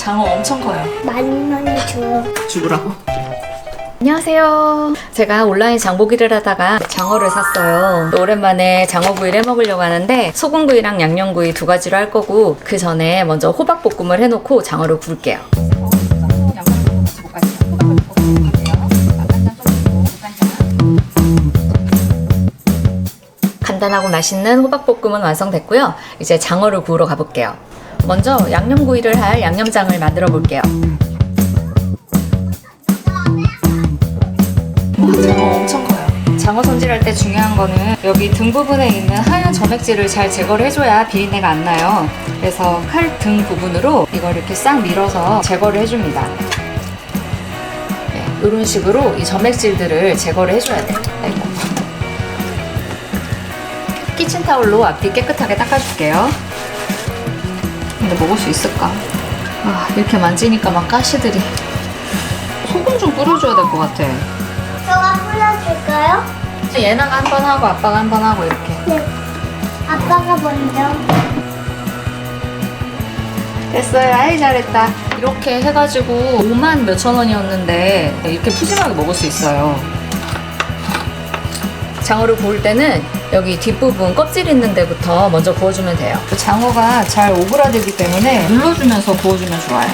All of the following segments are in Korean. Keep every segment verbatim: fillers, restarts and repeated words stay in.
장어 엄청 커요. 많이 많이 줘요. 죽으라고? 안녕하세요. 제가 온라인 장보기를 하다가 장어를 샀어요. 오랜만에 장어구이를 해먹으려고 하는데 소금구이랑 양념구이 두 가지로 할 거고 그 전에 먼저 호박볶음을 해놓고 장어를 구울게요. 간단하고 맛있는 호박볶음은 완성됐고요. 이제 장어를 구우러 가볼게요. 먼저 양념구이를 할 양념장을 만들어 볼게요. 장어 엄청 커요. 장어 손질할 때 중요한 거는 여기 등 부분에 있는 하얀 점액질을 잘 제거를 해줘야 비린내가 안 나요. 그래서 칼 등 부분으로 이걸 이렇게 싹 밀어서 제거를 해줍니다. 네, 이런 식으로 이 점액질들을 제거를 해줘야 돼요. 아이고. 키친타올로 앞뒤 깨끗하게 닦아줄게요. 근데 먹을 수 있을까? 아, 이렇게 만지니까 막 가시들이. 소금 좀 뿌려줘야 될 것 같아. 저가 뿌려줄까요? 얘나가 한 번 하고 아빠가 한 번 하고 이렇게. 네. 아빠가 먼저. 됐어요. 아이 잘했다. 이렇게 해가지고 오만 몇천 원이었는데 이렇게 푸짐하게 먹을 수 있어요. 장어를 구울 때는 여기 뒷부분 껍질 있는 데부터 먼저 구워주면 돼요. 장어가 잘 오그라들기 때문에 눌러주면서 구워주면 좋아요.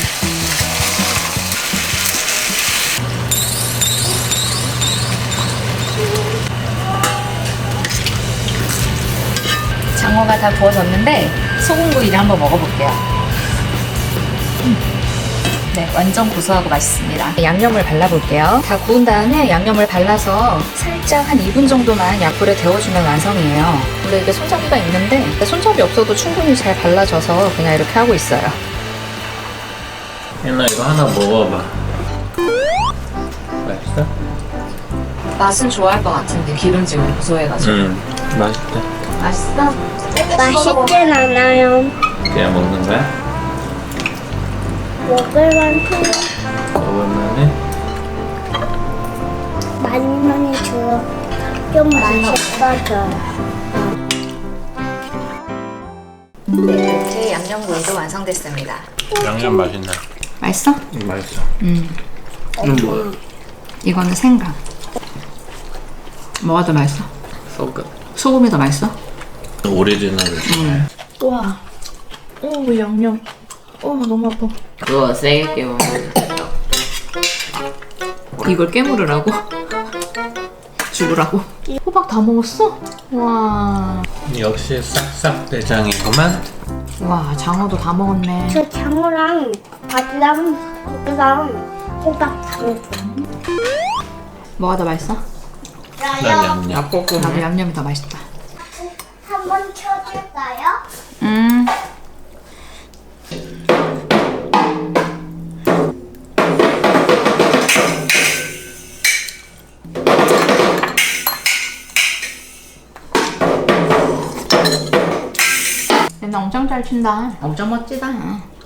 장어가 다 구워졌는데 소금구이를 한번 먹어볼게요. 네, 완전 고소하고 맛있습니다. 양념을 발라볼게요. 다 구운 다음에 양념을 발라서 살짝 한 이 분 정도만 약불에 데워주면 완성이에요. 원래 이게 손잡이가 있는데 손잡이 없어도 충분히 잘 발라져서 그냥 이렇게 하고 있어요. 얘나 이거 하나 먹어봐. 맛있어? 맛은 좋아할 것 같은데 기름지고 고소해가지고. 응, 맛있다. 맛있어? 맛있진 않아요. 그냥 먹는 거야? 먹을만큼 먹을만해? 많이 많이 줘요. 좀 맛있어져요. 네, 제 양념구이도 완성됐습니다. 양념 맛있네. 맛있어? 응, 맛있어. 음. 이건 뭐야? 이거는 생강. 뭐가 더 맛있어? 소금. 소금이 더 맛있어? 오리지널. 응. 와, 어, 양념. 어, 너무 아파. 그거 세게 깨워. 이걸 깨물으라고? 죽으라고? 호박 다 먹었어? 와. 역시 싹싹 대장이구만. 와, 장어도 다 먹었네. 저 장어랑 밥이랑 고기랑 호박 다 먹어요. 뭐가 더 맛있어? 난 양념. 나도 양념이 더 맛있다. 한번 켜줄까요? 음. 얘는 엄청 잘 춘다. 엄청 멋지다.